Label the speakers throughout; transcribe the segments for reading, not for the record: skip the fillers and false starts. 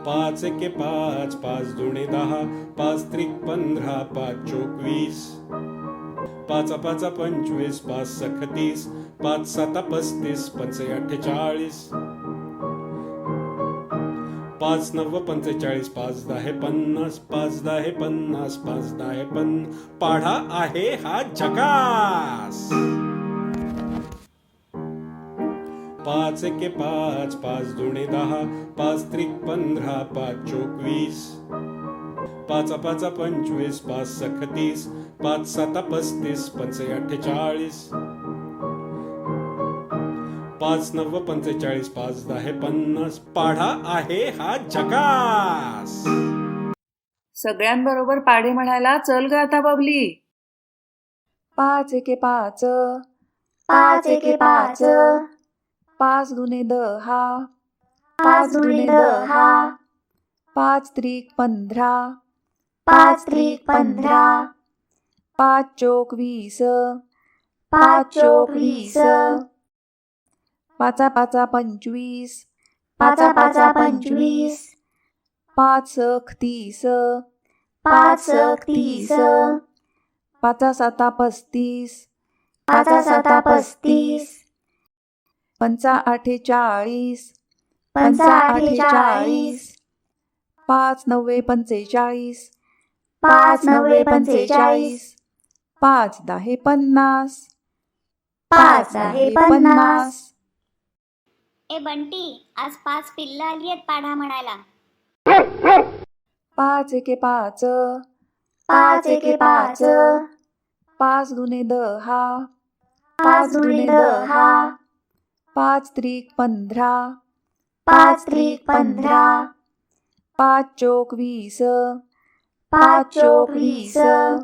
Speaker 1: पाच एके पाच, पाच दुणे दहा, पाच त्रिक 15, पाच चोक 20, पाच पाचा 25, पाच सख 30, पाच साता 35, पंचे 48, पाच नव्व 45, पाच दहा 50, पाच दहा 50, पाच दहा 50. पाढा आहे हा झकास. पाच एके पाच, पाच दुणे दहा, पाच त्रिक 15, पाच चोक 20, पाच पाचा 25, पाच सख 30, पाच साता 35, पंचे 48, पाच नव्व 45, पाच दहा 50. पाढा आहे हा झकास.
Speaker 2: सगळ्यांबरोबर पाढे म्हणायला चल ग आता बबली. पाच एके पाच,
Speaker 3: पाच एके पाच,
Speaker 2: पाच दुने दहा,
Speaker 3: पाच दुणे दहा,
Speaker 2: पाच त्रिक 15,
Speaker 3: पाच त्रिक 15,
Speaker 2: पाच चोक 20,
Speaker 3: पाच चोक 20,
Speaker 2: पाचा पाचा 25,
Speaker 3: पाचा पाचा 25,
Speaker 2: पाच सख 30,
Speaker 3: पाच सख 30,
Speaker 2: पाचा साता 35,
Speaker 3: पाचा साता 35,
Speaker 2: पंचा आठे 40,
Speaker 3: पंचा आठे 40,
Speaker 2: पाच नव्वे 45,
Speaker 3: पाच नव्वे 45,
Speaker 2: पाच दहा 50,
Speaker 3: पाच दहा 50.
Speaker 4: ए बंटी, आज 5 पिल्लं आली आहेत पाढा म्हणायला.
Speaker 2: पाच एके पाच,
Speaker 3: पाच एके पाच,
Speaker 2: पाच दुने दहा,
Speaker 3: पाच दुणे दहा,
Speaker 2: पाच त्रिक 15,
Speaker 3: पाच त्रिक 15,
Speaker 2: पाच चोक 20,
Speaker 3: पाच चोक 20,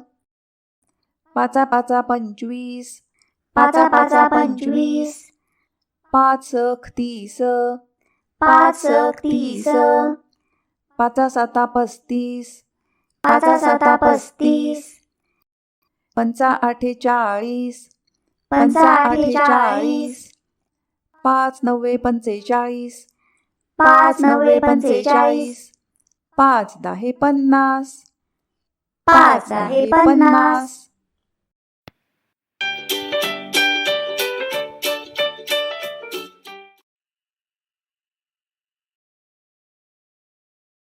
Speaker 2: पाचा पाचा 25,
Speaker 3: पाचा पाचा 25,
Speaker 2: पाच सख 30,
Speaker 3: पाच सख 30,
Speaker 2: पाचा साता 35,
Speaker 3: पाचा साता 35,
Speaker 2: पंचा आठे 40,
Speaker 3: पंचा आठे 40,
Speaker 2: पाच नव्वे 45,
Speaker 3: पाच नव्वे 45,
Speaker 2: पाच दहा 50,
Speaker 3: पाच दहा 50.